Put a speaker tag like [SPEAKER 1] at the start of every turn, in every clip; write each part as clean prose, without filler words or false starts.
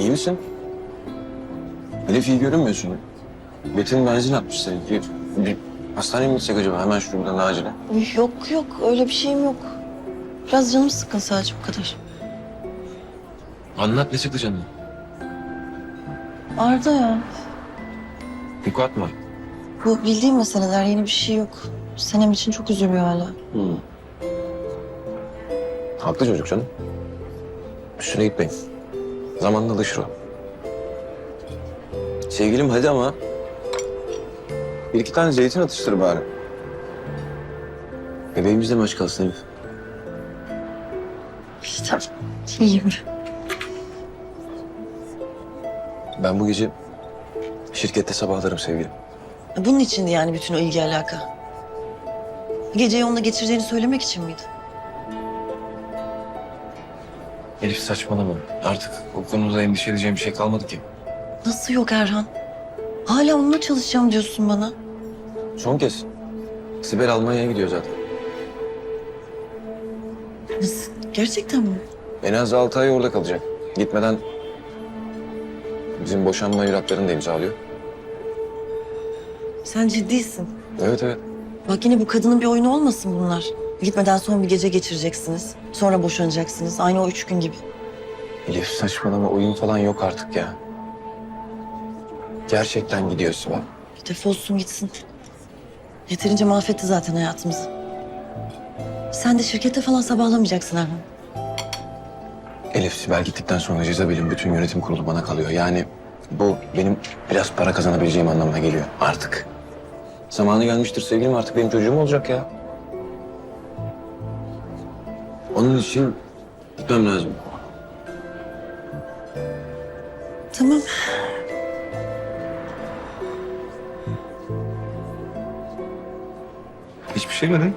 [SPEAKER 1] İyi misin? Elif iyi görünmüyorsun. Betin benzin atmış seninki. Bir hastaneye mi gitsek acaba? Hemen şuradan acile.
[SPEAKER 2] Yok yok öyle bir şeyim yok. Biraz canım sıkkın sadece bu kadar.
[SPEAKER 1] Anlat ne çıktı canım?
[SPEAKER 2] Arda ya.
[SPEAKER 1] Yük atma.
[SPEAKER 2] Bu bildiğim meseleler yeni bir şey yok. Senem için çok üzülüyor hala.
[SPEAKER 1] Haklı çocuk canım. Üstüne gitmeyin. Zamanla alışır o. Sevgilim hadi ama. Bir iki tane zeytin atıştır bari. Bebeğimiz de mi aç kalsın Elif?
[SPEAKER 2] İşte iyiyim.
[SPEAKER 1] Ben bu gece şirkette sabahlarım sevgilim.
[SPEAKER 2] Bunun içindi yani bütün o ilgi alaka. Geceyi onunla geçireceğini söylemek için miydi?
[SPEAKER 1] Elif saçmalama. Artık o konuda endişe edeceğim bir şey kalmadı ki.
[SPEAKER 2] Nasıl yok Erhan? Hala onunla çalışacağım diyorsun bana.
[SPEAKER 1] Son kez. Sibel Almanya'ya gidiyor zaten.
[SPEAKER 2] Nasıl? Gerçekten mi?
[SPEAKER 1] En az 6 ay orada kalacak. Gitmeden bizim boşanma evraklarını da imzalıyor.
[SPEAKER 2] Sen ciddisin.
[SPEAKER 1] Evet evet.
[SPEAKER 2] Bak yine bu kadının bir oyunu olmasın bunlar. Gitmeden son bir gece geçireceksiniz. Sonra boşanacaksınız. Aynı o 3 gün gibi.
[SPEAKER 1] Elif saçmalama oyun falan yok artık ya. Gerçekten gidiyor Sibel.
[SPEAKER 2] Defolsun gitsin. Yeterince mahvetti zaten hayatımızı. Sen de şirkette falan sabahlamayacaksın Erhan.
[SPEAKER 1] Elif Sibel gittikten sonra Jezabel'in bütün yönetim kurulu bana kalıyor. Yani bu benim biraz para kazanabileceğim anlamına geliyor artık. Zamanı gelmiştir sevgilim, artık benim çocuğum olacak ya. Onun için gitmem lazım.
[SPEAKER 2] Tamam.
[SPEAKER 1] Hiçbir şey mi değil?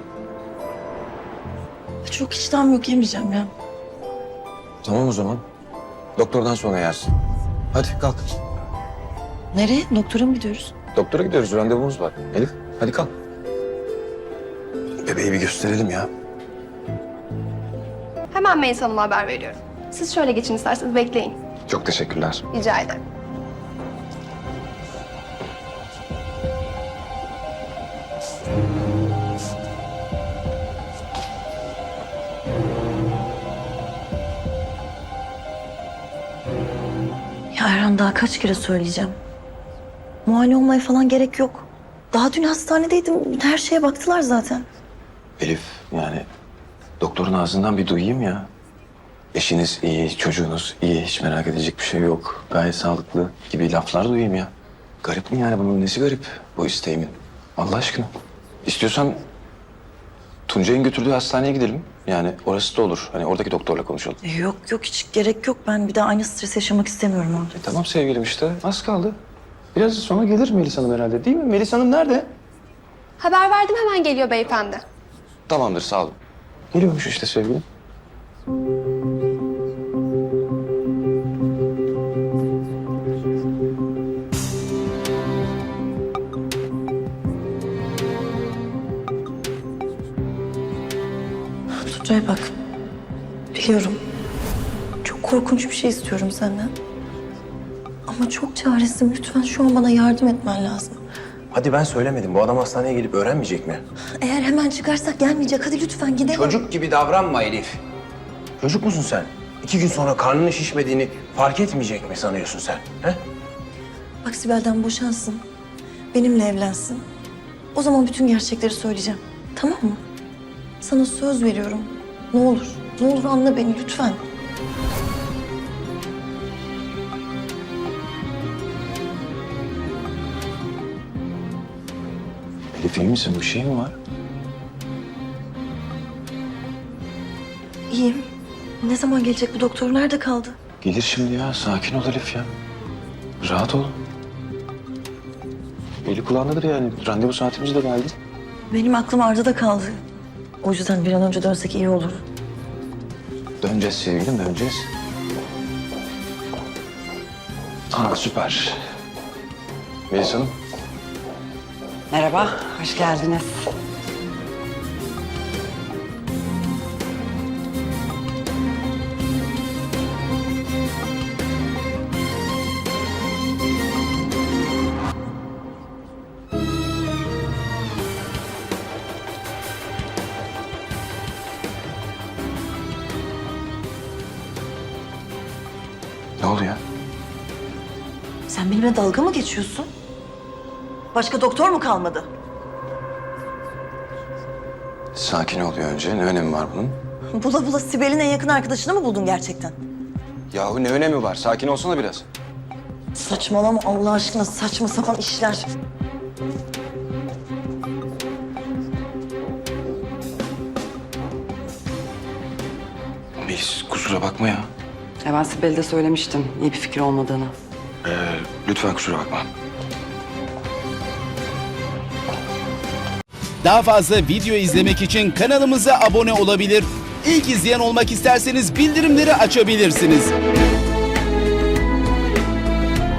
[SPEAKER 2] Çok iştahım yok, yemeyeceğim ya.
[SPEAKER 1] Tamam o zaman. Doktordan sonra yersin. Hadi kalk.
[SPEAKER 2] Nereye? Doktora mı gidiyoruz?
[SPEAKER 1] Doktora gidiyoruz, randevumuz var. Elif hadi kalk. Bebeği bir gösterelim ya.
[SPEAKER 3] Hemen Melis Hanım'a haber veriyorum. Siz şöyle geçin isterseniz, bekleyin.
[SPEAKER 1] Çok teşekkürler.
[SPEAKER 3] Rica ederim.
[SPEAKER 2] Ya Erhan daha kaç kere söyleyeceğim. Muayene olmaya falan gerek yok. Daha dün hastanedeydim. Her şeye baktılar zaten.
[SPEAKER 1] Elif yani doktorun ağzından bir duyayım ya. Eşiniz iyi, çocuğunuz iyi, hiç merak edecek bir şey yok. Gayet sağlıklı gibi laflar duyayım ya. Garip mi yani, bunun nesi garip bu isteğimin? Allah aşkına. İstiyorsan Tuncay'ın götürdüğü hastaneye gidelim. Yani orası da olur. Hani oradaki doktorla konuşalım.
[SPEAKER 2] Yok yok hiç gerek yok. Ben bir daha aynı stres yaşamak istemiyorum orada.
[SPEAKER 1] Tamam sevgilim işte. Az kaldı. Biraz sonra gelir Melis Hanım herhalde, değil mi? Melis Hanım nerede?
[SPEAKER 3] Haber verdim, hemen geliyor beyefendi.
[SPEAKER 1] Tamamdır, sağ olun. Geliyormuş işte sevgilim.
[SPEAKER 2] Tuncay bak. Biliyorum. Çok korkunç bir şey istiyorum senden. Ama çok çaresizim. Lütfen şu an bana yardım etmen lazım.
[SPEAKER 1] Hadi ben söylemedim. Bu adam hastaneye gelip öğrenmeyecek mi?
[SPEAKER 2] Eğer hemen çıkarsak gelmeyecek. Hadi lütfen gidelim.
[SPEAKER 1] Çocuk gibi davranma Elif. Çocuk musun sen? 2 gün sonra karnının şişmediğini fark etmeyecek mi sanıyorsun sen? He?
[SPEAKER 2] Bak Sibel'den boşansın. Benimle evlensin. O zaman bütün gerçekleri söyleyeceğim. Tamam mı? Sana söz veriyorum. Ne olur. Ne olur anla beni lütfen.
[SPEAKER 1] Elif iyi misin? Bir şey mi var?
[SPEAKER 2] İyiyim. Ne zaman gelecek bu doktor? Nerede kaldı?
[SPEAKER 1] Gelir şimdi ya. Sakin ol Elif ya. Rahat ol. Eli kulağındadır yani. Randevu saatimiz de geldi.
[SPEAKER 2] Benim aklım Arda'da kaldı. O yüzden bir an önce dönsek iyi olur.
[SPEAKER 1] Döneceğiz sevgilim, döneceğiz. Aa süper. Melis Hanım.
[SPEAKER 4] Merhaba, hoş geldiniz.
[SPEAKER 1] Ne oluyor?
[SPEAKER 2] Sen benimle dalga mı geçiyorsun? Başka doktor mu kalmadı?
[SPEAKER 1] Sakin oluyor önce. Ne önemi var bunun?
[SPEAKER 2] Bula bula Sibel'in en yakın arkadaşını mı buldun gerçekten?
[SPEAKER 1] Yahu ne önemi var? Sakin olsana biraz.
[SPEAKER 2] Saçmalama Allah aşkına, saçma sapan işler.
[SPEAKER 1] Melis kusura bakma ya.
[SPEAKER 4] Ben Sibel'e de söylemiştim iyi bir fikir olmadığını.
[SPEAKER 1] Lütfen kusura bakma.
[SPEAKER 5] Daha fazla video izlemek için kanalımıza abone olabilir. İlk izleyen olmak isterseniz bildirimleri açabilirsiniz.